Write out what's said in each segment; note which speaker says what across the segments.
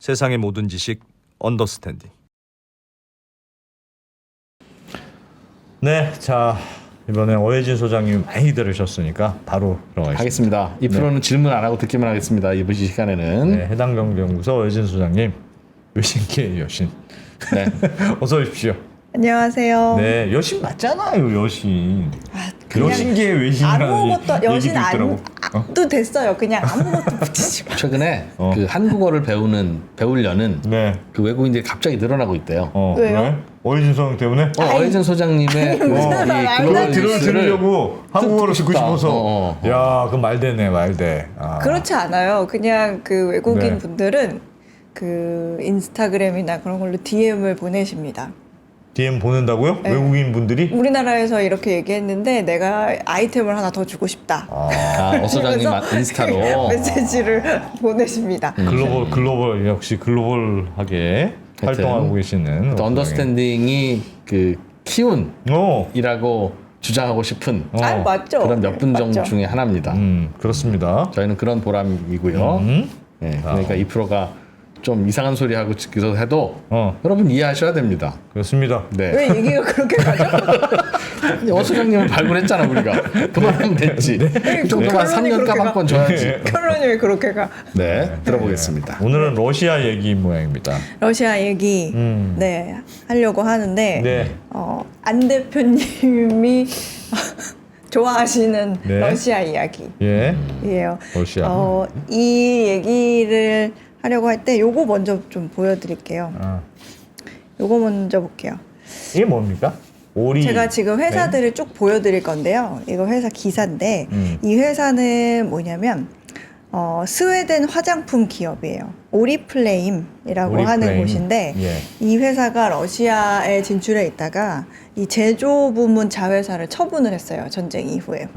Speaker 1: 세상의 모든 지식 언더스탠딩. 네, 자 이번에 오해진 소장님 많이 들으셨으니까 바로 들어가겠습니다.
Speaker 2: 하겠습니다. 이 프로는 질문 안 하고 듣기만 하겠습니다. 이번 시간에는.
Speaker 1: 네, 해당 경제연구소 오해진 소장님, 여신계의 여신.
Speaker 2: 네.
Speaker 1: 어서 오십시오.
Speaker 3: 안녕하세요.
Speaker 1: 네, 여신 맞잖아요, 여신.
Speaker 3: 그냥
Speaker 1: 여신계의 외신이라는
Speaker 3: 아무것도
Speaker 1: 얘기도
Speaker 3: 여신
Speaker 1: 있더라고.
Speaker 3: 안도 됐어요. 그냥 아무것도 붙이지 마.
Speaker 2: 최근에 그 한국어를 배우려는
Speaker 1: 네.
Speaker 2: 그 외국인들이 갑자기 늘어나고 있대요.
Speaker 3: 왜요?
Speaker 1: 그래? 오해진 소장 때문에?
Speaker 2: 어혜진 소장님의
Speaker 3: 무슨
Speaker 2: 이
Speaker 3: 말도
Speaker 2: 글로벌
Speaker 3: 안 되는
Speaker 2: 뉴스를
Speaker 1: 들으려고 한국어로 듣고
Speaker 2: 싶다.
Speaker 1: 싶어서. 야, 그 말되네, 말돼. 아.
Speaker 3: 그렇지 않아요. 그냥 그 외국인
Speaker 1: 네.
Speaker 3: 분들은 그 인스타그램이나 그런 걸로 DM을 보내십니다.
Speaker 1: DM 보낸다고요?
Speaker 3: 네.
Speaker 1: 외국인 분들이?
Speaker 3: 우리나라에서 이렇게 얘기했는데 내가 아이템을 하나 더 주고 싶다.
Speaker 2: 어 소장님
Speaker 3: 그래서
Speaker 2: 인스타로
Speaker 3: 메시지를 보내십니다.
Speaker 1: 글로벌 역시 글로벌하게 활동하고 계시는
Speaker 2: 또 언더스탠딩이 그 키운이라고 주장하고 싶은
Speaker 3: 아 맞죠.
Speaker 2: 그런 몇 분 정도
Speaker 3: 맞죠.
Speaker 2: 중에 하나입니다.
Speaker 1: 그렇습니다.
Speaker 2: 저희는 그런 보람이고요. 네, 그러니까 이 프로가 좀 이상한 소리 하고 듣기도 해도 여러분 이해하셔야 됩니다.
Speaker 1: 그렇습니다.
Speaker 2: 네.
Speaker 3: 왜 얘기가 그렇게 가죠?
Speaker 2: 어 소장님을 발굴했잖아 우리가. 그만하면 됐지. 그 정도만
Speaker 3: 결론이
Speaker 2: 3년값
Speaker 3: 그렇게
Speaker 2: 한 번 줘야지.
Speaker 3: 결론이 왜 그렇게 가?
Speaker 2: 네, 들어보겠습니다.
Speaker 1: 오늘은 러시아 얘기 모양입니다.
Speaker 3: 러시아 얘기 네 하려고 하는데
Speaker 1: 네.
Speaker 3: 안 대표님이 좋아하시는
Speaker 1: 네.
Speaker 3: 러시아 이야기예요.
Speaker 1: 예. 러시아.
Speaker 3: 이 얘기를 하려고 할 때 요거 먼저 좀 보여드릴게요. 요거 먼저 볼게요.
Speaker 1: 이게 뭡니까? 오리.
Speaker 3: 제가 지금 회사들을 쭉 보여드릴 건데요. 이거 회사 기사인데 이 회사는 뭐냐면 스웨덴 화장품 기업이에요. 오리플레임이라고 하는 곳인데
Speaker 1: 예.
Speaker 3: 이 회사가 러시아에 진출해 있다가 이 제조 부문 자회사를 처분을 했어요. 전쟁 이후에.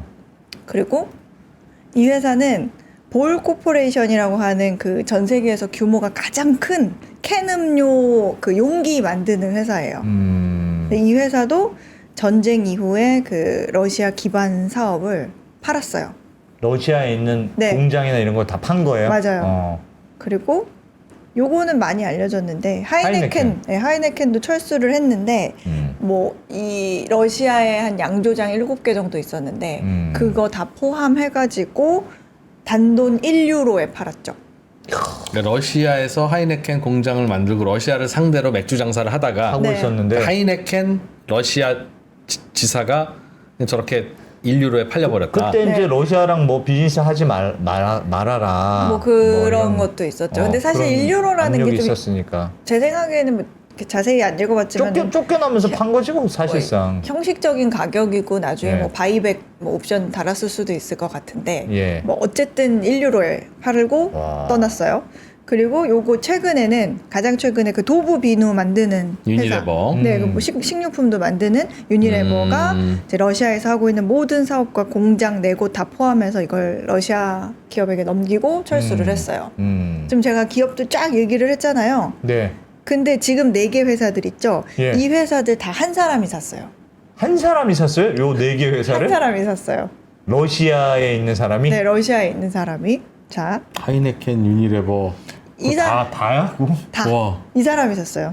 Speaker 3: 그리고 이 회사는 볼 코퍼레이션이라고 하는 그 전 세계에서 규모가 가장 큰 캔 음료 그 용기 만드는 회사예요. 근데 이 회사도 전쟁 이후에 그 러시아 기반 사업을 팔았어요.
Speaker 1: 러시아에 있는
Speaker 3: 네.
Speaker 1: 공장이나 이런 걸 다 판 거예요?
Speaker 3: 맞아요. 그리고 요거는 많이 알려졌는데 하이네켄. 네, 하이네켄도 철수를 했는데 뭐 이 러시아에 한 양조장 7개 정도 있었는데 그거 다 포함해가지고 단돈 1유로에 팔았죠.
Speaker 2: 그러니까 러시아에서 하이네켄 공장을 만들고 러시아를 상대로 맥주 장사를 하다가
Speaker 1: 하고
Speaker 3: 네.
Speaker 1: 있었는데
Speaker 2: 하이네켄 러시아 지사가 저렇게 1유로에 팔려버렸다.
Speaker 1: 그때 이제
Speaker 3: 네.
Speaker 1: 러시아랑 뭐 비즈니스 하지 말아라.
Speaker 3: 뭐 그런
Speaker 1: 이런,
Speaker 3: 것도 있었죠. 근데 사실
Speaker 1: 그런
Speaker 3: 1유로라는
Speaker 1: 압력이
Speaker 3: 게 좀
Speaker 1: 있었으니까
Speaker 3: 제 생각에는 뭐 이렇게 자세히 안 읽어봤지만
Speaker 1: 쫓겨나면서 판 거지 뭐 사실상.
Speaker 3: 형식적인 가격이고 나중에
Speaker 1: 네.
Speaker 3: 뭐 바이백 뭐 옵션 달았을 수도 있을 것 같은데
Speaker 1: 예.
Speaker 3: 뭐 어쨌든 1유로에 팔고
Speaker 1: 와.
Speaker 3: 떠났어요. 그리고 요거 최근에는 가장 최근에 그 도부 비누 만드는 회사,
Speaker 2: 유니레버.
Speaker 3: 네, 그뭐 식료품도 만드는 유니레버가 이제 러시아에서 하고 있는 모든 사업과 공장 네 곳 다 포함해서 이걸 러시아 기업에게 넘기고 철수를 했어요. 지금 제가 기업도 쫙 얘기를 했잖아요.
Speaker 1: 네.
Speaker 3: 근데 지금 4개 회사들 있죠.
Speaker 1: 예.
Speaker 3: 이 회사들 다 한 사람이 샀어요.
Speaker 1: 한 사람이 샀어요? 요 네 개 회사를?
Speaker 3: 한 사람이 샀어요.
Speaker 1: 러시아에 있는 사람이?
Speaker 3: 네, 러시아에 있는 사람이. 자,
Speaker 2: 하이네켄 유니레버.
Speaker 1: 다야?
Speaker 3: 다
Speaker 2: 와.
Speaker 3: 이 사람이 샀어요.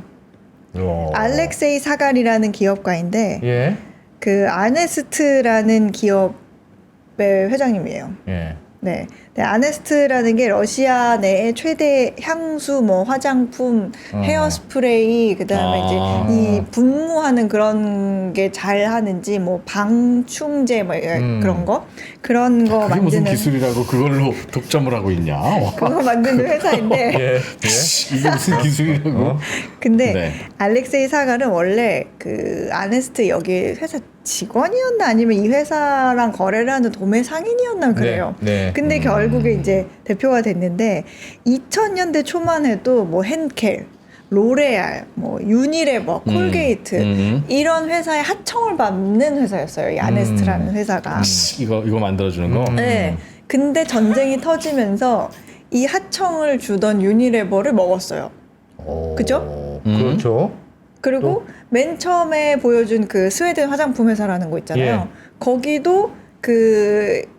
Speaker 3: 알렉세이 사갈이라는 기업가인데
Speaker 1: 예.
Speaker 3: 그 아네스트라는 기업의 회장님이에요.
Speaker 1: 예.
Speaker 3: 네. 네, 아네스트라는 게 러시아 내의 최대 향수, 뭐 화장품, 헤어스프레이, 그다음에 이제 이 분무하는 그런 게 잘 하는지 뭐 방충제 뭐 그런 거
Speaker 2: 그게
Speaker 3: 만드는
Speaker 2: 무슨 기술이라고 그걸로 독점을 하고 있냐? 와.
Speaker 3: 그거 만드는 회사인데
Speaker 1: 예. 예.
Speaker 2: 이게 무슨 기술이라고?
Speaker 3: 근데
Speaker 2: 네.
Speaker 3: 알렉세이 사갈은 원래 그 아네스트 여기 회사 직원이었나 아니면 이 회사랑 거래를 하는 도매 상인이었나 그래요.
Speaker 1: 네.
Speaker 3: 근데 결국에 이제 대표가 됐는데 2000년대 초만 해도 뭐 henkel, 로레알, 뭐 유니레버, 콜게이트 이런 회사의 하청을 받는 회사였어요. 이 아네스트라는 회사가.
Speaker 2: 이거 만들어주는 거.
Speaker 3: 네. 근데 전쟁이 터지면서 이 하청을 주던 유니레버를 먹었어요. 그죠?
Speaker 1: 그렇죠.
Speaker 3: 그리고 맨 처음에 보여준 그 스웨덴 화장품 회사라는 거 있잖아요.
Speaker 1: 예.
Speaker 3: 거기도 그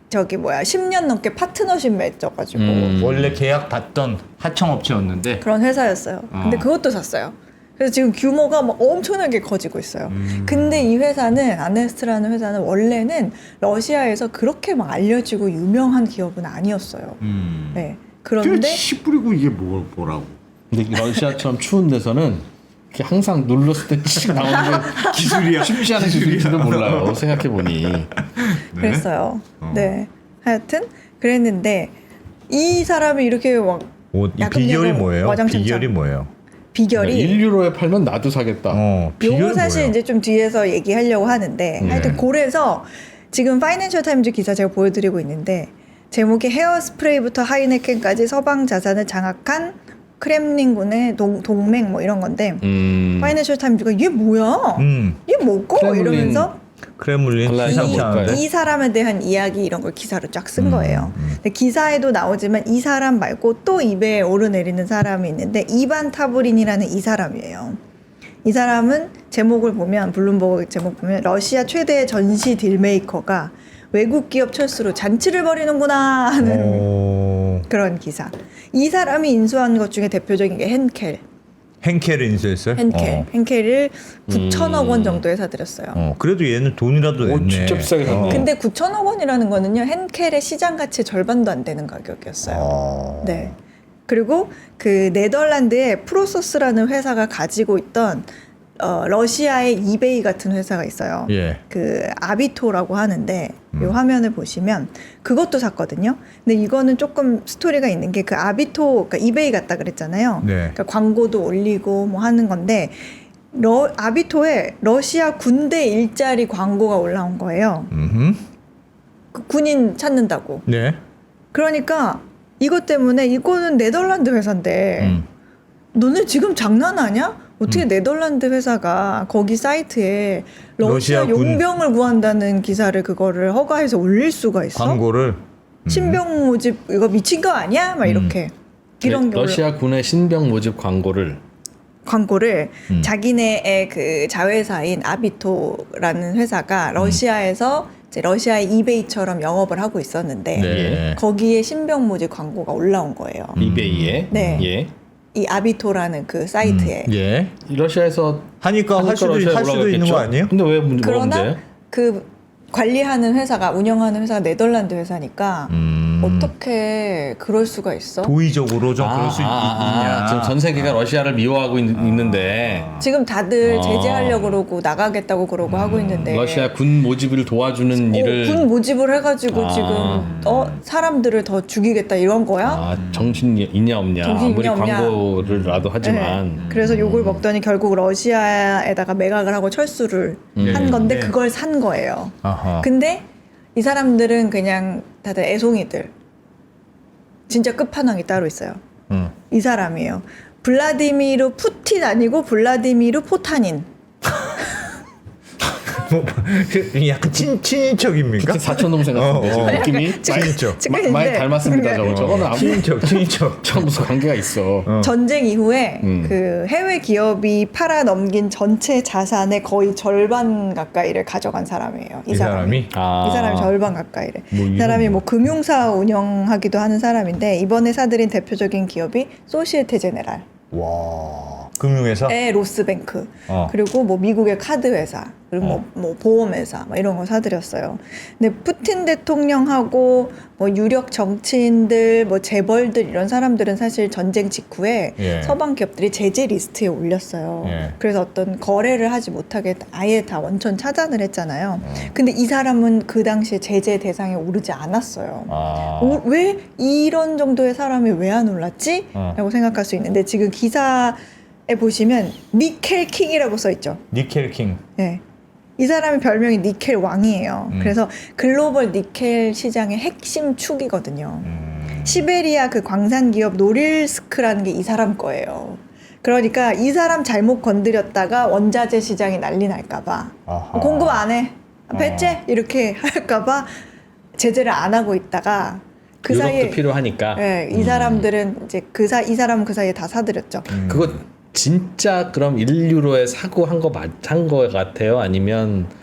Speaker 3: 저기 뭐야 10년 넘게 파트너십 맺어가지고
Speaker 1: 원래 계약 받던
Speaker 2: 하청업체였는데
Speaker 3: 그런 회사였어요. 근데 그것도 샀어요. 그래서 지금 규모가 막 엄청나게 커지고 있어요. 근데 이 회사는 아네스트라는 회사는 원래는 러시아에서 그렇게 막 알려지고 유명한 기업은 아니었어요. 네. 그런데
Speaker 4: 씨 뿌리고 이게 뭐라고?
Speaker 2: 근데 러시아처럼 추운 데서는 이렇게 항상 눌렀을 때 씩 나오는 게 기술이야. 쉽지 않은 기술일지도 몰라요. 생각해 보니.
Speaker 3: 그랬어요. 네. 하여튼 그랬는데 이 사람이 이렇게 막
Speaker 1: 이 비결이 뭐예요?
Speaker 3: 와장창창.
Speaker 1: 비결이 뭐예요?
Speaker 3: 비결이
Speaker 2: 1유로에 팔면 나도 사겠다.
Speaker 1: 비결이
Speaker 3: 요거 사실
Speaker 1: 뭐예요?
Speaker 3: 이제 좀 뒤에서 얘기하려고 하는데 하여튼 그래서 지금 파이낸셜 타임즈 기사 제가 보여드리고 있는데 제목이 헤어스프레이부터 하이네켄까지 서방 자산을 장악한 크렘린군의 동맹 뭐 이런 건데 파이낸셜 타임즈가 이게 뭐야? 이게 뭐고?
Speaker 2: 크렘린
Speaker 3: 이러면서
Speaker 1: 크렘린
Speaker 2: 발라야
Speaker 1: 시상치
Speaker 2: 뭘까요?
Speaker 1: 않은데?
Speaker 3: 이 사람에 대한 이야기 이런 걸 기사로 쫙 쓴 거예요. 근데 기사에도 나오지만 이 사람 말고 또 입에 오르내리는 사람이 있는데 이반 타브린이라는 이 사람이에요. 이 사람은 제목을 보면 블룸버그 제목 보면 러시아 최대의 전시 딜메이커가 외국 기업 철수로 잔치를 벌이는구나 하는 그런 기사. 이 사람이 인수한 것 중에 대표적인 게 henkel.
Speaker 1: henkel을 인수했어요?
Speaker 3: henkel을 9천억 원 정도에 사들였어요.
Speaker 1: 그래도 얘는 돈이라도 냈네.
Speaker 2: 진짜 비싸게 샀네.
Speaker 3: 근데 9천억 원이라는 거는요 henkel의 시장 가치 절반도 안 되는 가격이었어요. 네. 그리고 그 네덜란드의 프로소스라는 회사가 가지고 있던 러시아의 이베이 같은 회사가 있어요.
Speaker 1: 예.
Speaker 3: 그 아비토라고 하는데 이 화면을 보시면 그것도 샀거든요. 근데 이거는 조금 스토리가 있는 게 그 아비토, 그러니까 이베이 같다 그랬잖아요.
Speaker 1: 네.
Speaker 3: 그러니까 광고도 올리고 뭐 하는 건데 아비토에 러시아 군대 일자리 광고가 올라온 거예요. 그 군인 찾는다고.
Speaker 1: 네.
Speaker 3: 그러니까 이것 때문에 이거는 네덜란드 회사인데 너네 지금 장난하냐? 어떻게 네덜란드 회사가 거기 사이트에 러시아
Speaker 1: 러시아 군-
Speaker 3: 용병을 구한다는 기사를 그거를 허가해서 올릴 수가 있어?
Speaker 1: 광고를
Speaker 3: 신병 모집 이거 미친 거 아니야? 막 이렇게 이런 게
Speaker 2: 러시아 군의 신병 모집 광고를
Speaker 3: 광고를 자기네의 그 자회사인 아비토라는 회사가 러시아에서 이제 러시아의 이베이처럼 영업을 하고 있었는데
Speaker 1: 네.
Speaker 3: 거기에 신병 모집 광고가 올라온 거예요.
Speaker 2: 이베이에
Speaker 3: 네.
Speaker 2: 예.
Speaker 3: 이 아비토라는 그 사이트에.
Speaker 1: 예.
Speaker 2: 러시아에서
Speaker 1: 하니까 할 수도
Speaker 2: 러시아에
Speaker 1: 있는 거
Speaker 2: 올라갔겠죠?
Speaker 1: 아니에요?
Speaker 2: 근데 왜 문제
Speaker 3: 그러나
Speaker 2: 뭔데?
Speaker 3: 그 관리하는 회사가 운영하는 회사가 네덜란드 회사니까 어떻게 그럴 수가 있어?
Speaker 1: 도의적으로 좀 그럴 수 있냐?
Speaker 2: 지금 전 세계가 러시아를 미워하고 있는데
Speaker 3: 지금 다들 제재하려고 그러고 나가겠다고 그러고 하고 있는데
Speaker 2: 러시아 군 모집을 도와주는 일을
Speaker 3: 군 모집을 해가지고 지금 사람들을 더 죽이겠다 이런 거야?
Speaker 2: 정신 있냐 없냐
Speaker 3: 정신
Speaker 2: 아무리
Speaker 3: 있냐 없냐.
Speaker 2: 광고를라도 하지만
Speaker 3: 네. 그래서 욕을 먹더니 결국 러시아에다가 매각을 하고 철수를 한 건데
Speaker 1: 네.
Speaker 3: 그걸 산 거예요.
Speaker 1: 아하.
Speaker 3: 근데 이 사람들은 그냥 다들 애송이들. 진짜 끝판왕이 따로 있어요. 이 사람이에요. 블라디미르 푸틴 아니고 블라디미르 포타닌.
Speaker 1: 약간 친인척입니까?
Speaker 2: 그 사촌 동생 같은데 지금 느낌이
Speaker 1: 친인척.
Speaker 3: 친인척.
Speaker 2: 많이 닮았습니다. 저거는 아무
Speaker 1: 친인척.
Speaker 2: 참 무슨 관계가 있어.
Speaker 3: 전쟁 이후에 그 해외 기업이 팔아넘긴 전체 자산의 거의 절반 가까이를 가져간 사람이에요.
Speaker 1: 이 사람이?
Speaker 3: 이 사람이 절반 가까이를.
Speaker 1: 뭐
Speaker 3: 이 사람이 뭐 금융사 운영하기도 하는 사람인데 이번에 사들인 대표적인 기업이 소시에테 제네랄.
Speaker 1: 와. 금융회사?
Speaker 3: 의 로스뱅크 그리고 뭐 미국의 카드 회사 그리고 뭐 보험 회사 뭐 이런 거 사들였어요. 근데 푸틴 대통령하고 뭐 유력 정치인들 뭐 재벌들 이런 사람들은 사실 전쟁 직후에
Speaker 1: 예.
Speaker 3: 서방 기업들이 제재 리스트에 올렸어요.
Speaker 1: 예.
Speaker 3: 그래서 어떤 거래를 하지 못하게 아예 다 원천 차단을 했잖아요. 근데 이 사람은 그 당시에 제재 대상에 오르지 않았어요. 왜 이런 정도의 사람이 왜 안 올랐지? 라고 생각할 수 있는데 지금 기사에 보시면 니켈 킹이라고 써 있죠.
Speaker 1: 니켈 킹.
Speaker 3: 네. 이 사람의 별명이 니켈 왕이에요. 그래서 글로벌 니켈 시장의 핵심 축이거든요. 시베리아 그 광산 기업 노릴스크라는 게 이 사람 거예요. 그러니까 이 사람 잘못 건드렸다가 원자재 시장이 난리 날까봐 공급 안 해, 배째 이렇게 할까봐 제재를 안 하고 있다가 그
Speaker 2: 유럽도
Speaker 3: 사이에
Speaker 2: 필요하니까.
Speaker 3: 네, 이 사람들은 이제 이 사람은 그 사이에 다 사들였죠.
Speaker 2: 그거 진짜 그럼 1유로에 사고 한 거 같아요? 아니면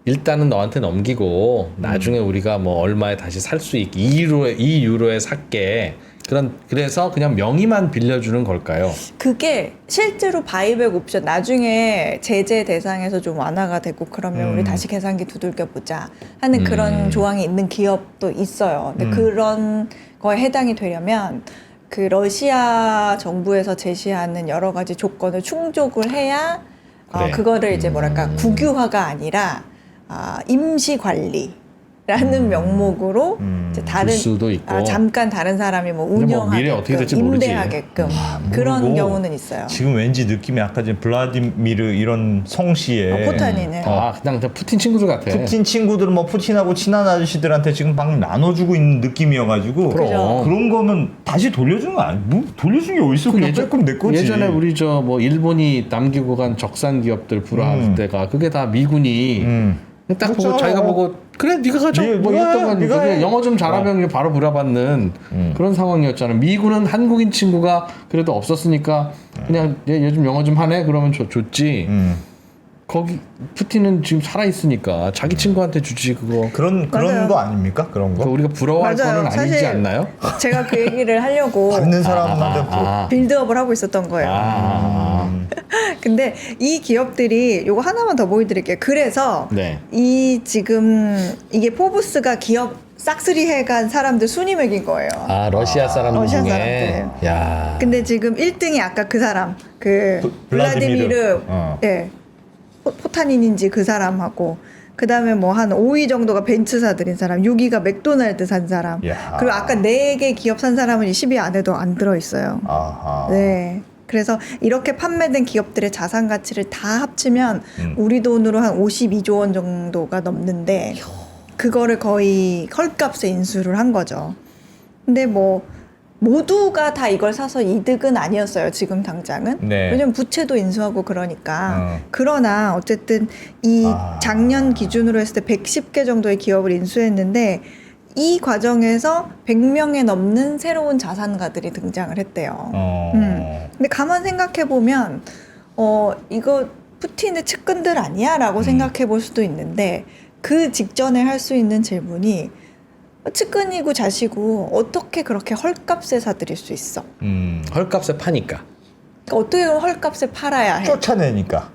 Speaker 2: 일단은 너한테 넘기고 나중에 우리가 뭐 얼마에 다시 살 수 있게 2유로에 살게. 그래서 그냥 명의만 빌려주는 걸까요?
Speaker 3: 그게 실제로 바이백 옵션 나중에 제재 대상에서 좀 완화가 되고 그러면 우리 다시 계산기 두들겨 보자 하는 그런 조항이 있는 기업도 있어요. 근데 그런 거에 해당이 되려면 그 러시아 정부에서 제시하는 여러 가지 조건을 충족을 해야
Speaker 2: 그래.
Speaker 3: 그거를 이제 뭐랄까 국유화가 아니라 임시 관리라는 명목으로 이제 다른
Speaker 2: 줄 수도 있고.
Speaker 3: 잠깐 다른 사람이 뭐
Speaker 2: 근데 뭐 미래 어떻게
Speaker 3: 운영하게끔
Speaker 2: 될지 모르지.
Speaker 3: 임대하게끔 그런
Speaker 1: 모르고
Speaker 3: 경우는 있어요.
Speaker 1: 지금 왠지 느낌이 아까 전 블라디미르 이런 성씨에
Speaker 3: 포탄이는
Speaker 2: 그냥 저 푸틴 친구들 같아.
Speaker 1: 푸틴 친구들은 뭐 푸틴하고 친한 아저씨들한테 지금 막 나눠주고 있는 느낌이어가지고
Speaker 3: 그죠.
Speaker 1: 그런 거면 다시 돌려주는 거 아니? 뭐 돌려주는 게 어딨어? 그냥 조금 내 거지.
Speaker 2: 예전에 우리 저 뭐 일본이 남기고 간 적산 기업들 불화할 때가 그게 다 미군이 딱 보고
Speaker 1: 그렇죠.
Speaker 2: 자기가 보고 그래 네가 가져 뭐
Speaker 1: 네가
Speaker 2: 이랬던 건
Speaker 1: 네가 해.
Speaker 2: 영어 좀 잘하면 바로 불화받는 그런 상황이었잖아. 미군은 한국인 친구가 그래도 없었으니까 그냥 얘 요즘 영어 좀 하네 그러면 좋지. 거기 푸틴은 지금 살아 있으니까 자기 친구한테 주지 그거.
Speaker 1: 그런
Speaker 3: 맞아요.
Speaker 1: 거 아닙니까? 그런 거?
Speaker 2: 우리가 부러워할
Speaker 3: 맞아요.
Speaker 2: 거는 아니지
Speaker 3: 사실
Speaker 2: 않나요?
Speaker 3: 제가 그 얘기를 하려고
Speaker 1: 받는 사람한테
Speaker 3: 빌드업을 하고 있었던 거예요. 근데 이 기업들이 요거 하나만 더 보여드릴게요. 그래서
Speaker 2: 네.
Speaker 3: 이 지금 이게 포브스가 기업 싹쓸이 해간 사람들 순위 매긴 거예요.
Speaker 2: 러시아 사람들
Speaker 3: 러시아
Speaker 2: 중에.
Speaker 3: 사람들.
Speaker 2: 야.
Speaker 3: 근데 지금 1등이 아까 그 사람 그 블라디미르 예. 포타닌인지 그 사람하고 그 다음에 뭐 한 5위 정도가 벤츠 사들인 사람, 6위가 맥도날드 산 사람,
Speaker 1: 야.
Speaker 3: 그리고 아까 4개 기업 산 사람은 이 10위 안에도 안 들어있어요.
Speaker 1: 아하.
Speaker 3: 네. 그래서 이렇게 판매된 기업들의 자산 가치를 다 합치면 우리 돈으로 한 52조 원 정도가 넘는데 그거를 거의 헐값에 인수를 한 거죠. 근데 뭐 모두가 다 이걸 사서 이득은 아니었어요. 지금 당장은.
Speaker 1: 네.
Speaker 3: 왜냐면 부채도 인수하고 그러니까. 그러나 어쨌든 이 작년 기준으로 했을 때 110개 정도의 기업을 인수했는데 이 과정에서 100명에 넘는 새로운 자산가들이 등장을 했대요. 근데 가만 생각해 보면 이거 푸틴의 측근들 아니야? 라고 생각해 볼 수도 있는데 그 직전에 할 수 있는 질문이 측근이고 자시고 어떻게 그렇게 헐값에 사들일 수 있어?
Speaker 2: 헐값에 파니까.
Speaker 3: 그러니까 어떻게 헐값에 팔아야 해?
Speaker 1: 쫓아내니까.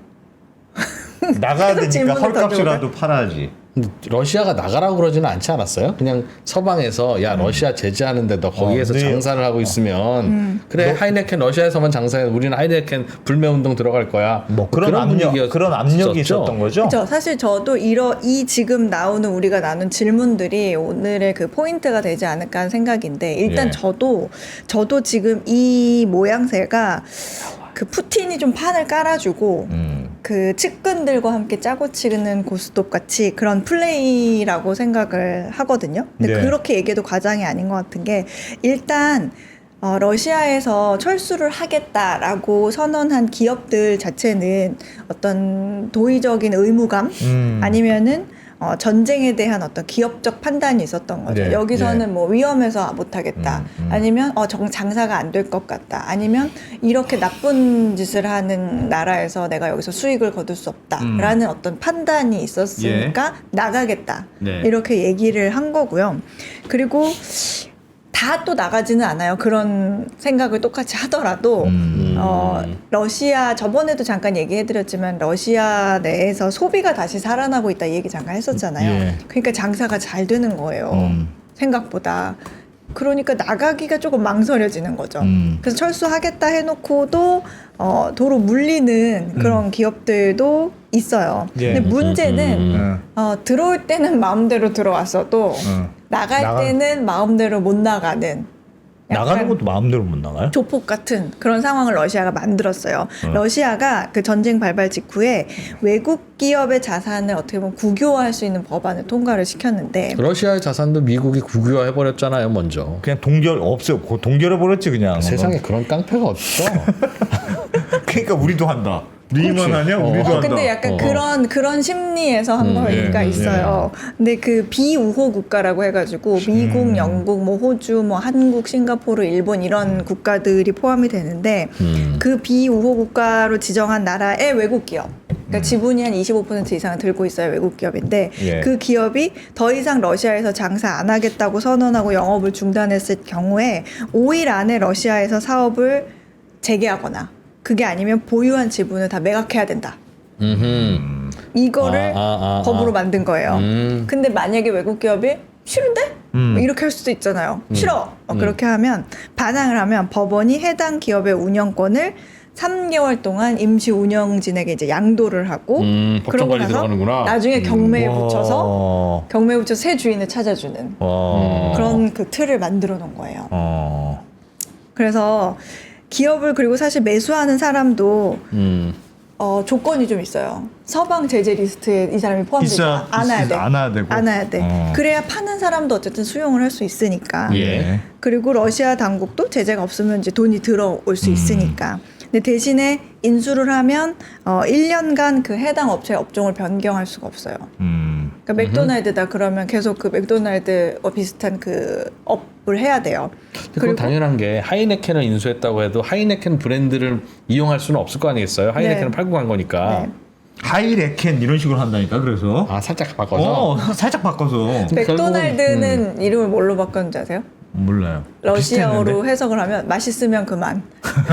Speaker 1: 나가야 되니까
Speaker 3: 질문을
Speaker 1: 헐값이라도 팔아야지.
Speaker 2: 러시아가 나가라고 그러지는 않지 않았어요? 그냥 서방에서 야 러시아 제재하는데 너 거기에서
Speaker 1: 네.
Speaker 2: 장사를 하고 있으면 그래 하이네켄 러시아에서만 장사해 우리는 하이네켄 불매운동 들어갈 거야.
Speaker 1: 뭐 그런 압력이 있었던 거죠.
Speaker 3: 그렇죠. 사실 저도 이 지금 나오는 우리가 나눈 질문들이 오늘의 그 포인트가 되지 않을까 하는 생각인데 일단
Speaker 1: 예.
Speaker 3: 저도 지금 이 모양새가 그 푸틴이 좀 판을 깔아주고 그 측근들과 함께 짜고 치는 고스톱 같이 그런 플레이라고 생각을 하거든요. 근데
Speaker 1: 네.
Speaker 3: 그렇게 얘기해도 과장이 아닌 것 같은 게 일단 러시아에서 철수를 하겠다라고 선언한 기업들 자체는 어떤 도의적인 의무감 아니면은 전쟁에 대한 어떤 기업적 판단이 있었던 거죠.
Speaker 1: 네,
Speaker 3: 여기서는
Speaker 1: 네.
Speaker 3: 뭐 위험해서 못하겠다. 아니면 장사가 안 될 것 같다. 아니면 이렇게 나쁜 짓을 하는 나라에서 내가 여기서 수익을 거둘 수 없다라는 어떤 판단이 있었으니까 나가겠다.
Speaker 1: 네.
Speaker 3: 이렇게 얘기를 한 거고요. 그리고 다 또 나가지는 않아요. 그런 생각을 똑같이 하더라도 러시아 저번에도 잠깐 얘기해드렸지만 러시아 내에서 소비가 다시 살아나고 있다 이 얘기 잠깐 했었잖아요.
Speaker 1: 예.
Speaker 3: 그러니까 장사가 잘 되는 거예요. 생각보다. 그러니까 나가기가 조금 망설여지는 거죠. 그래서 철수하겠다 해놓고도 도로 물리는 그런 기업들도 있어요.
Speaker 1: 예.
Speaker 3: 근데 문제는 들어올 때는 마음대로 들어왔어도 나갈 때는 마음대로 못 나가는
Speaker 1: 나가는 것도 마음대로 못 나가요?
Speaker 3: 조폭 같은 그런 상황을 러시아가 만들었어요. 러시아가 그 전쟁 발발 직후에 외국 기업의 자산을 어떻게 보면 국유화할 수 있는 법안을 통과를 시켰는데
Speaker 2: 러시아의 자산도 미국이 국유화해 버렸잖아요, 먼저.
Speaker 1: 그냥 동결해 버렸지 그냥.
Speaker 2: 세상에 그런 깡패가 어딨어?
Speaker 1: 그러니까 우리도 한다. 니만 하냐? 우리도 한다.
Speaker 3: 근데 약간 그런 심리에서 한 거가 있어요. 근데 그 비우호 국가라고 해가지고 미국, 영국, 뭐 호주, 뭐 한국, 싱가포르, 일본 이런 국가들이 포함이 되는데 그 비우호 국가로 지정한 나라의 외국 기업 그러니까 지분이 한 25% 이상을 들고 있어요. 외국 기업인데
Speaker 1: 예.
Speaker 3: 그 기업이 더 이상 러시아에서 장사 안 하겠다고 선언하고 영업을 중단했을 경우에 5일 안에 러시아에서 사업을 재개하거나 그게 아니면 보유한 지분을 다 매각해야 된다. 이거를 법으로 만든 거예요. 근데 만약에 외국 기업이 싫은데? 뭐 이렇게 할 수도 있잖아요. 싫어. 그렇게 하면 반항을 하면 법원이 해당 기업의 운영권을 3개월 동안 임시 운영진에게 이제 양도를 하고
Speaker 2: 법정
Speaker 3: 그러고
Speaker 2: 관리
Speaker 3: 나서
Speaker 2: 들어가는구나.
Speaker 3: 나중에 경매에
Speaker 1: 와.
Speaker 3: 붙여서 새 주인을 찾아주는
Speaker 1: 와.
Speaker 3: 그런 그 틀을 만들어 놓은 거예요.
Speaker 1: 어.
Speaker 3: 그래서 기업을 그리고 사실 매수하는 사람도
Speaker 2: 음.
Speaker 3: 조건이 좀 있어요. 서방 제재 리스트에 이 사람이 포함되지 않아야 돼.
Speaker 1: 안아야 되고.
Speaker 3: 안아야 돼. 그래야 파는 사람도 어쨌든 수용을 할 수 있으니까.
Speaker 2: 예.
Speaker 3: 그리고 러시아 당국도 제재가 없으면 이제 돈이 들어올 수 있으니까. 근데 대신에 인수를 하면 1년간 그 해당 업체의 업종을 변경할 수가 없어요. 그러니까 맥도날드다 그러면 계속 그 맥도날드와 비슷한 그 업을 해야 돼요.
Speaker 2: 그건 당연한 게 하이네켄을 인수했다고 해도 하이네켄 브랜드를 이용할 수는 없을 거 아니겠어요? 하이네켄은
Speaker 3: 네.
Speaker 2: 팔고 간 거니까.
Speaker 3: 네.
Speaker 1: 하이레켄 이런 식으로 한다니까 그래서.
Speaker 2: 아 살짝 바꿔서.
Speaker 1: 살짝 바꿔서.
Speaker 3: 맥도날드는 이름을 뭘로 바꿨는지 아세요?
Speaker 1: 몰라요.
Speaker 3: 러시아어로
Speaker 1: 비슷했는데?
Speaker 3: 해석을 하면 맛있으면 그만.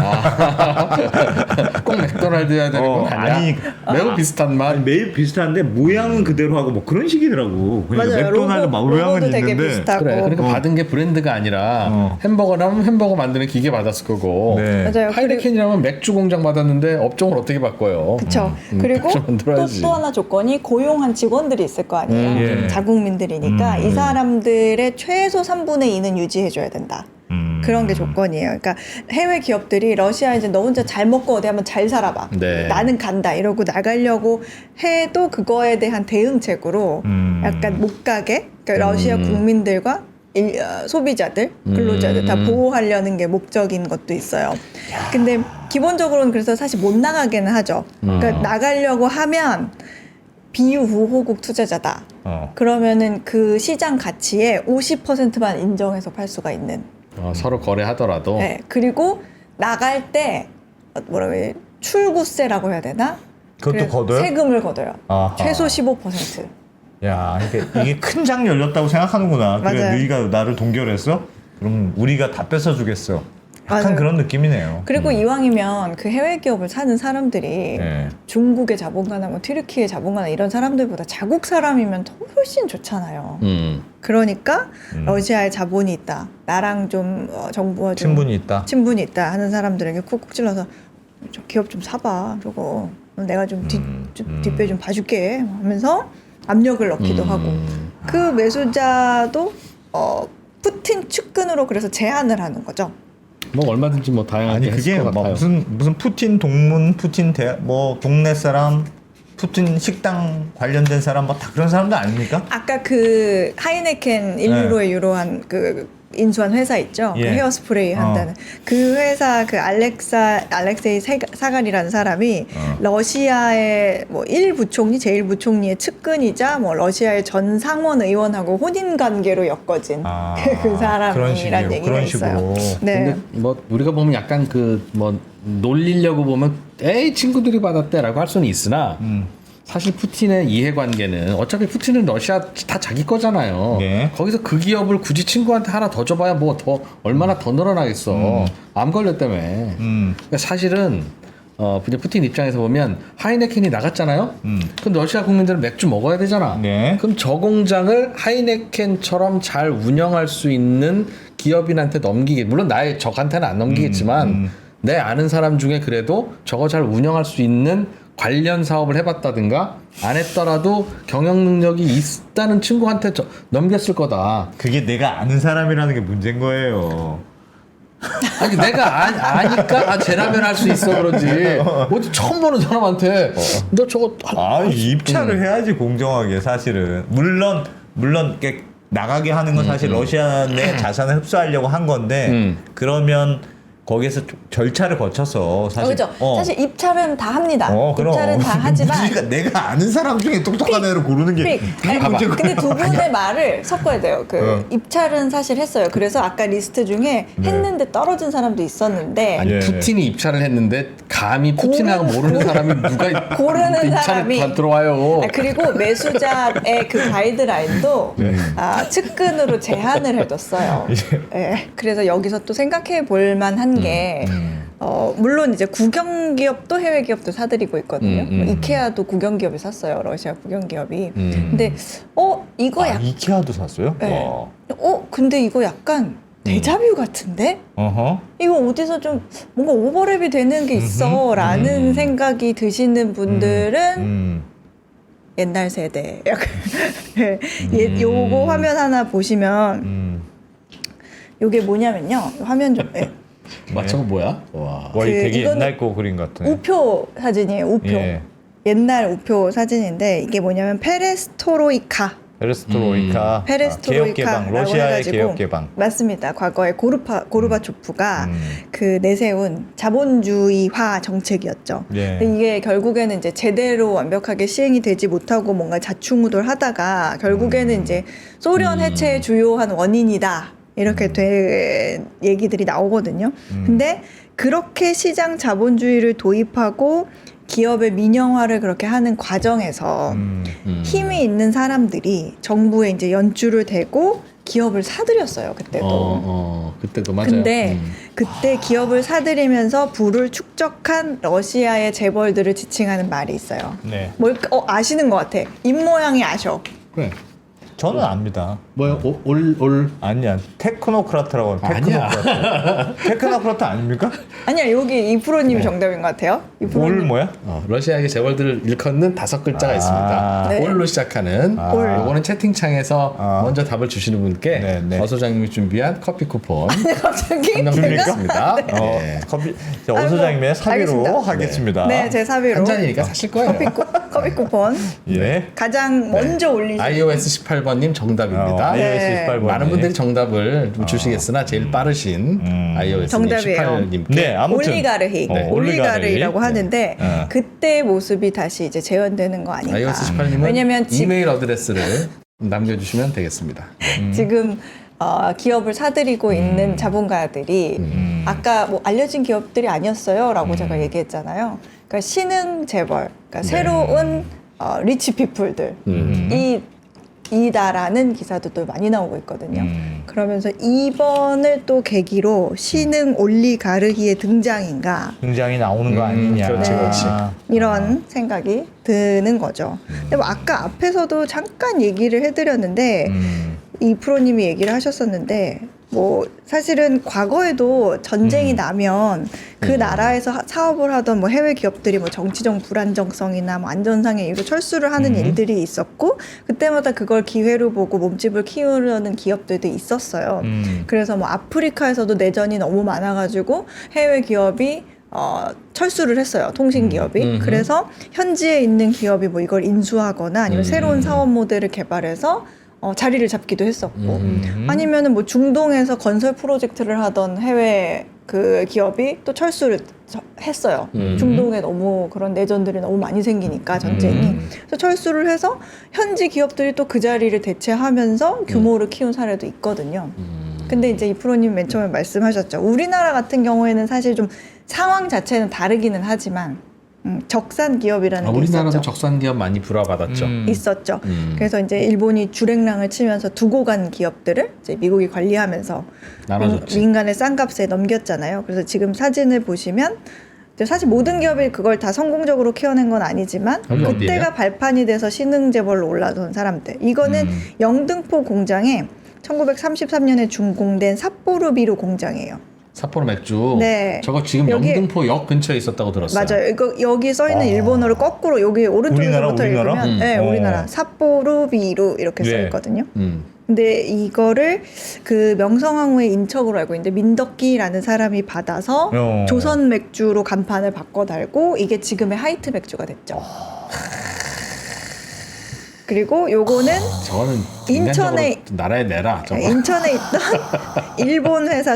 Speaker 2: 꼭 맥도날드여야 되는 건 아니야.
Speaker 1: 아니,
Speaker 2: 매우 비슷한 맛.
Speaker 1: 아니, 매일 비슷한데 모양은 그대로 하고 뭐 그런 식이더라고. 그러니까
Speaker 3: 맞아요.
Speaker 1: 맥도날드 모양은
Speaker 3: 로고도 되게
Speaker 1: 있는데.
Speaker 3: 비슷하고.
Speaker 2: 그래. 그러니까 받은 게 브랜드가 아니라 햄버거라면 햄버거 만드는 기계 받았을 거고.
Speaker 1: 네.
Speaker 3: 맞아요.
Speaker 2: 하이네켄이라면 맥주 공장 받았는데 업종을 어떻게 바꿔요?
Speaker 3: 그렇죠. 그리고
Speaker 2: 맥주 만들어야지.
Speaker 3: 또 하나 조건이 고용한 직원들이 있을 거 아니에요.
Speaker 1: 예.
Speaker 3: 자국민들이니까 이 사람들의 최소 3분의 2는 유지해줘야 된다. 그런 게 조건이에요. 그러니까 해외 기업들이 러시아 이제 너 혼자 잘 먹고 어디 한번 잘 살아봐.
Speaker 2: 네.
Speaker 3: 나는 간다 이러고 나가려고 해도 그거에 대한 대응책으로 약간 못 가게 그러니까 러시아 국민들과 소비자들, 근로자들 다 보호하려는 게 목적인 것도 있어요. 근데 기본적으로는 그래서 사실 못 나가게는 하죠. 그러니까 나가려고 하면 비우호국 투자자다. 그러면은 그 시장 가치의 50%만 인정해서 팔 수가 있는.
Speaker 2: 서로 거래하더라도.
Speaker 3: 네. 그리고 나갈 때 뭐라고 해야 돼? 출구세라고 해야 되나?
Speaker 1: 그것도
Speaker 3: 그래서
Speaker 1: 걷어요?
Speaker 3: 세금을 걷어요.
Speaker 1: 아하.
Speaker 3: 최소 15%.
Speaker 1: 야, 이게 큰 장 열렸다고 생각하는구나. 그래,
Speaker 3: 맞아요.
Speaker 1: 너희가 나를 동결했어? 그럼 우리가 다 뺏어주겠어. 약간
Speaker 3: 맞아요.
Speaker 1: 그런 느낌이네요.
Speaker 3: 그리고 이왕이면 그 해외 기업을 사는 사람들이
Speaker 1: 네.
Speaker 3: 중국의 자본가나 뭐 튀르키의 자본가나 이런 사람들보다 자국 사람이면 더 훨씬 좋잖아요. 그러니까 러시아에 자본이 있다. 나랑 좀 정부와 좀 친분이 있다 하는 사람들에게 쿡쿡 찔러서 저 기업 좀 사봐. 저거 내가 좀 뒷배 좀 봐줄게 하면서 압력을 넣기도 하고 그 매수자도 푸틴 측근으로 그래서 제안을 하는 거죠.
Speaker 2: 뭐 얼마든지 뭐 다양하게
Speaker 1: 아니 그게
Speaker 2: 했을 것
Speaker 1: 뭐
Speaker 2: 같아요.
Speaker 1: 무슨 푸틴 동문, 푸틴 뭐 동네 사람, 푸틴 식당 관련된 사람 뭐 다 그런 사람들 아닙니까?
Speaker 3: 아까 그 하이네켄 1유로에 유로한 그 인수한 회사 있죠.
Speaker 1: 예.
Speaker 3: 그 헤어스프레이 한다는 그 회사 그 알렉세이 사갈이라는 사람이 러시아의 뭐 1부총리, 제1부총리의 측근이자 뭐 러시아의 전 상원 의원하고 혼인 관계로 엮어진 그 사람이란 얘기가 있어요. 네.
Speaker 2: 근데 뭐 우리가 보면 약간 그 뭐 놀리려고 보면 에이 친구들이 받았대라고 할 수는 있으나 사실 푸틴의 이해관계는 어차피 푸틴은 러시아 다 자기 거잖아요.
Speaker 1: 네.
Speaker 2: 거기서 그 기업을 굳이 친구한테 하나 더 줘봐야 뭐 더 얼마나 더 늘어나겠어. 암 걸렸다며. 그러니까 사실은 이제 푸틴 입장에서 보면 하이네켄이 나갔잖아요. 그럼 러시아 국민들은 맥주 먹어야 되잖아.
Speaker 1: 네.
Speaker 2: 그럼 저 공장을 하이네켄처럼 잘 운영할 수 있는 기업인한테 넘기게. 물론 나의 적한테는 안 넘기겠지만 내 아는 사람 중에 그래도 저거 잘 운영할 수 있는 관련 사업을 해봤다든가 안 했더라도 경영 능력이 있다는 친구한테 넘겼을 거다.
Speaker 1: 그게 내가 아는 사람이라는 게 문제인 거예요.
Speaker 2: 아니 내가 아니까 쟤라면 할 수 있어 그러지. 어디 처음 보는 사람한테 너 저거
Speaker 1: 입찰을 해야지 공정하게 사실은. 물론 이렇게 나가게 하는 건 사실 러시아 내 자산을 흡수하려고 한 건데 그러면 거기에서 절차를 거쳐서 사실
Speaker 3: 그렇죠. 사실 입찰은 다 합니다.
Speaker 1: 그럼.
Speaker 3: 입찰은 다 하지만
Speaker 1: 우리가 내가 아는 사람 중에 똑똑한 애를 고르는 게
Speaker 3: 아니,
Speaker 1: 이게 문제고.
Speaker 3: 근데 두 분의 말을 섞어야 돼요. 입찰은 사실 했어요. 그래서 아까 리스트 중에 했는데 떨어진 사람도 있었는데
Speaker 2: 아니
Speaker 1: 예.
Speaker 2: 푸틴이 입찰을 했는데 감히 푸틴하고 모르는 사람이 누가
Speaker 3: 고르는
Speaker 2: 입찰에
Speaker 3: 사람이
Speaker 2: 들어와요.
Speaker 3: 그리고 매수자의 그 가이드라인도
Speaker 1: 네.
Speaker 3: 측근으로 제한을 해뒀어요. 그래서 여기서 또 생각해 볼 만한 게 물론 이제 국영 기업도 해외 기업도 사들이고 있거든요. 뭐 이케아도 국영 기업이 샀어요. 러시아 국영 기업이. 근데 이거 약간
Speaker 1: 이케아도 샀어요?
Speaker 3: 네.
Speaker 1: 와.
Speaker 3: 근데 이거 약간 데자뷰 같은데?
Speaker 1: 어허.
Speaker 3: 이거 어디서 좀 뭔가 오버랩이 되는 게 있어 라는 생각이 드시는 분들은 옛날 세대 약간 요거 화면 하나 보시면 요게 뭐냐면요. 화면 좀
Speaker 2: 저거 뭐야? 와.
Speaker 1: 와, 이 되게
Speaker 3: 이거는
Speaker 1: 옛날 거 그림 같네.
Speaker 3: 우표 사진이에요. 우표.
Speaker 1: 예.
Speaker 3: 옛날 우표 사진인데 이게 뭐냐면 페레스토로이카.
Speaker 1: 페레스트로이카. 개혁 개방. 러시아의 개혁 개방.
Speaker 3: 맞습니다. 과거에 고르바초프가 그 내세운 자본주의화 정책이었죠.
Speaker 1: 예.
Speaker 3: 근데 이게 결국에는 이제 제대로 완벽하게 시행이 되지 못하고 뭔가 자충우돌하다가 결국에는 이제 소련 해체의 주요한 원인이다. 이렇게 된 얘기들이 나오거든요. 근데 그렇게 시장 자본주의를 도입하고 기업의 민영화를 그렇게 하는 과정에서 힘이 있는 사람들이 정부에 이제 연줄을 대고 기업을 사들였어요. 그때도.
Speaker 2: 그때도 맞아요.
Speaker 3: 근데 그때 기업을 사들이면서 부를 축적한 러시아의 재벌들을 지칭하는 말이 있어요.
Speaker 1: 네.
Speaker 3: 뭘까? 아시는 것 같아. 입모양이 아셔.
Speaker 2: 그래.
Speaker 1: 저는 압니다.
Speaker 2: 뭐야? 올
Speaker 1: 아니야. 테크노크라트라고 하면
Speaker 2: 아니야.
Speaker 1: 테크노크라트. 테크노크라트 아닙니까?
Speaker 3: 아니야, 여기 이프로님이 정답인 것 같아요.
Speaker 1: 올
Speaker 3: 이프로님.
Speaker 1: 뭐야?
Speaker 2: 러시아의 재벌들을 일컫는 5글자가 있습니다.
Speaker 3: 네.
Speaker 2: 올로 시작하는.
Speaker 3: 올.
Speaker 2: 요거는 채팅창에서 먼저 답을 주시는 분께
Speaker 1: 네, 네.
Speaker 2: 어 소장님이 준비한 커피 쿠폰
Speaker 3: 갑자기
Speaker 2: 한명 드리겠습니다.
Speaker 1: 네. 커피. 자, 오
Speaker 3: 아이고,
Speaker 1: 소장님의 사비로
Speaker 3: 알겠습니다.
Speaker 1: 하겠습니다.
Speaker 3: 네, 제 사비로
Speaker 2: 한 잔이니까 사실 거예요.
Speaker 3: 커피 쿠폰
Speaker 1: 예.
Speaker 3: 가장 먼저 올리신
Speaker 2: iOS 18번님 정답입니다.
Speaker 3: 네.
Speaker 1: iOS 18번.
Speaker 2: 많은 분들이 정답을 좀 주시겠으나 제일 빠르신 iOS
Speaker 3: 정답이에요.
Speaker 2: 18님께
Speaker 1: 네, 아무튼
Speaker 3: 올리가르히
Speaker 1: 네,
Speaker 3: 올리가르히라고
Speaker 1: 네.
Speaker 3: 하는데 그때 모습이 다시 이제 재현되는 거 아닌가?
Speaker 2: iOS 18님은
Speaker 3: 왜냐면
Speaker 2: 이메일 어드레스를 남겨주시면 되겠습니다.
Speaker 3: 지금 기업을 사들이고 있는 자본가들이 아까 뭐 알려진 기업들이 아니었어요라고 제가 얘기했잖아요. 그러니까 신흥 재벌, 그러니까 새로운 리치 피플들 이다라는 기사도 많이 나오고 있거든요. 그러면서 이번을 또 계기로 신흥 올리가르히의 등장인가
Speaker 1: 등장이 나오는 거 아니냐.
Speaker 2: 그렇지, 그렇지.
Speaker 3: 이런 생각이 드는 거죠. 근데 뭐 아까 앞에서도 잠깐 얘기를 해드렸는데 이 프로님이 얘기를 하셨었는데 뭐 사실은 과거에도 전쟁이 나면 그 나라에서 사업을 하던 뭐 해외 기업들이 뭐 정치적 불안정성이나 뭐 안전상의 이유로 철수를 하는 일들이 있었고 그때마다 그걸 기회로 보고 몸집을 키우려는 기업들도 있었어요. 그래서 뭐 아프리카에서도 내전이 너무 많아가지고 해외 기업이 철수를 했어요. 통신 기업이. 그래서 현지에 있는 기업이 뭐 이걸 인수하거나 아니면 새로운 사업 모델을 개발해서 자리를 잡기도 했었고 아니면은 뭐 중동에서 건설 프로젝트를 하던 해외 그 기업이 또 철수를 했어요. 중동에 너무 그런 내전들이 너무 많이 생기니까 전쟁이. 그래서 철수를 해서 현지 기업들이 또 그 자리를 대체하면서 규모를 키운 사례도 있거든요. 근데 이제 이 프로님 맨 처음에 말씀하셨죠. 우리나라 같은 경우에는 사실 좀 상황 자체는 다르기는 하지만 적산 기업이라는 게
Speaker 2: 우리나라도
Speaker 3: 있었죠.
Speaker 2: 적산 기업 많이 불화받았죠.
Speaker 3: 있었죠. 그래서 이제 일본이 주랭랑을 치면서 두고 간 기업들을 이제 미국이 관리하면서
Speaker 2: 나눠줬지.
Speaker 3: 민간의 싼 값에 넘겼잖아요. 그래서 지금 사진을 보시면 이제 사실 모든 기업이 그걸 다 성공적으로 키워낸 건 아니지만
Speaker 2: 여기
Speaker 3: 그때가
Speaker 2: 어디예요?
Speaker 3: 발판이 돼서 신흥재벌로 올라선 사람들. 이거는 영등포 공장에 1933년에 준공된 삿포로비루 공장이에요.
Speaker 2: 삿포로 맥주.
Speaker 3: 네.
Speaker 2: 저거 지금
Speaker 3: 여기-
Speaker 2: 영등포역 근처에 있었다고 들었어요.
Speaker 3: 맞아요. 이거 여기 써 있는 일본어로 거꾸로 여기 오른쪽에서부터
Speaker 1: 우리나라?
Speaker 3: 읽으면 네, 우리나라 삿포로비루 이렇게 써
Speaker 1: 네.
Speaker 3: 있거든요.
Speaker 2: 음.
Speaker 3: 근데 이거를 그 명성황후의 인척으로 알고 있는데 민덕기라는 사람이 받아서 조선 맥주로 간판을 바꿔 달고 이게 지금의 하이트 맥주가 됐죠. 그리고 요거는
Speaker 2: 저거는
Speaker 3: 인천에-
Speaker 2: 인간적으로 나라에 내라. 저거.
Speaker 3: 인천에 있던 일본 회사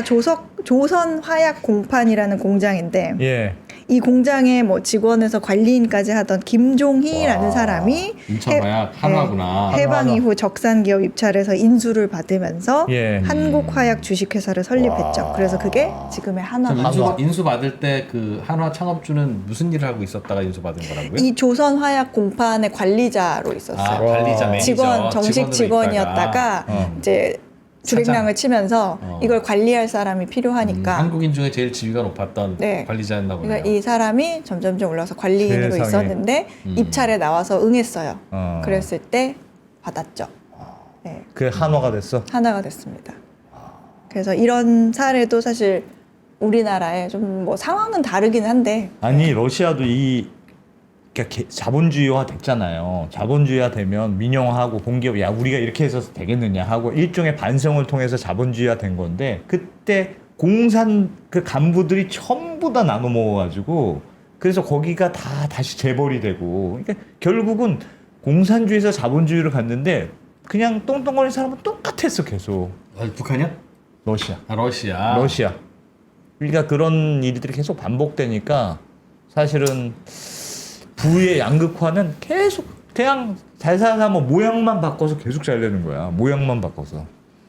Speaker 3: 조선화약공판이라는 공장인데
Speaker 1: 예.
Speaker 3: 이 공장의 뭐 직원에서 관리인까지 하던 김종희라는
Speaker 2: 와,
Speaker 3: 사람이
Speaker 2: 인천화약 한화구나.
Speaker 3: 해방
Speaker 1: 한화.
Speaker 3: 이후 적산기업 입찰해서 인수를 받으면서
Speaker 1: 예.
Speaker 3: 한국화약 주식회사를 설립했죠.
Speaker 2: 와.
Speaker 3: 그래서 그게 지금의
Speaker 2: 그럼
Speaker 3: 한화가
Speaker 2: 인수 받을 때 그 한화 창업주는 무슨 일을 하고 있었다가 인수 받은 거라고요?
Speaker 3: 이 조선화약공판의 관리자로 있었어요.
Speaker 2: 관리자 매니저
Speaker 3: 직원 정식
Speaker 2: 직원으로
Speaker 3: 직원이었다가
Speaker 2: 있다가.
Speaker 3: 이제 주랭랑을 치면서 이걸 관리할 사람이 필요하니까
Speaker 2: 한국인 중에 제일 지위가 높았던
Speaker 3: 네.
Speaker 2: 관리자였나 보네요.
Speaker 3: 그러니까 이 사람이 점점점 올라서 관리인으로
Speaker 1: 세상에.
Speaker 3: 있었는데 입찰에 나와서 응했어요.
Speaker 1: 어.
Speaker 3: 그랬을 때 받았죠. 네,
Speaker 1: 그 한화가 됐어.
Speaker 3: 하나가 됐습니다. 그래서 이런 사례도 사실 우리나라에 좀 뭐 상황은 다르긴 한데
Speaker 1: 아니 러시아도 이 그러니까 자본주의화 됐잖아요. 자본주의화 되면 민영화하고 공기업 야 우리가 이렇게 해서 되겠느냐 하고 일종의 반성을 통해서 자본주의화 된 건데 그때 공산 그 간부들이 전부 다 나눠 먹어가지고 그래서 거기가 다 다시 재벌이 되고 그러니까 결국은 공산주의에서 자본주의로 갔는데 그냥 똥똥거리는 사람은 똑같았어 계속.
Speaker 2: 북한이요?
Speaker 1: 러시아.
Speaker 2: 러시아.
Speaker 1: 그러니까 그런 일들이 계속 반복되니까 사실은 부의 양극화는 계속 그냥 잘 사는 사람은 모양만 바꿔서 계속 잘 되는 거야. 모양만 바꿔서.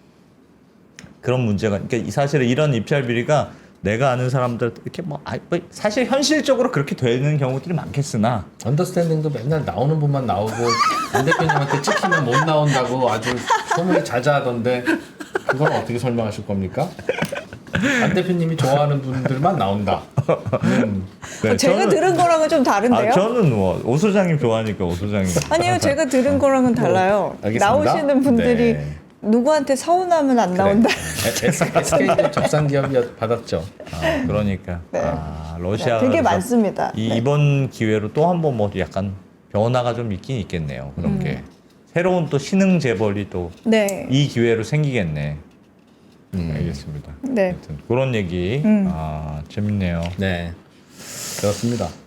Speaker 1: 그런 문제가 그러니까 사실은 이런 입찰 비리가 내가 아는 사람들 이렇게 뭐 사실 현실적으로 그렇게 되는 경우들이 많겠으나
Speaker 2: 언더스탠딩도 맨날 나오는 분만 나오고 안 대표님한테 찍히면 못 나온다고 아주 소문이 자자하던데 그걸 어떻게 설명하실 겁니까? 안 대표님이 좋아하는 분들만 나온다.
Speaker 1: 네,
Speaker 3: 제가 들은 거랑은 좀 다른데요?
Speaker 1: 저는 뭐 오 소장님 좋아하니까 오 소장님.
Speaker 3: 아니요, 제가 들은 거랑은 달라요.
Speaker 2: 알겠습니다.
Speaker 3: 나오시는 분들이
Speaker 1: 네.
Speaker 3: 누구한테 서운하면 안 나온다.
Speaker 2: SK도 적산기업이 받았죠.
Speaker 1: 그러니까
Speaker 3: 네.
Speaker 1: 러시아
Speaker 3: 되게 많습니다. 네.
Speaker 1: 이번 기회로 또 한 번 뭐 약간 변화가 좀 있긴 있겠네요. 그런 게 새로운 또 신흥 재벌이 또 이
Speaker 3: 네.
Speaker 1: 기회로 생기겠네. 알겠습니다.
Speaker 3: 네.
Speaker 1: 하여튼 그런 얘기 재밌네요.
Speaker 2: 네, 그렇습니다.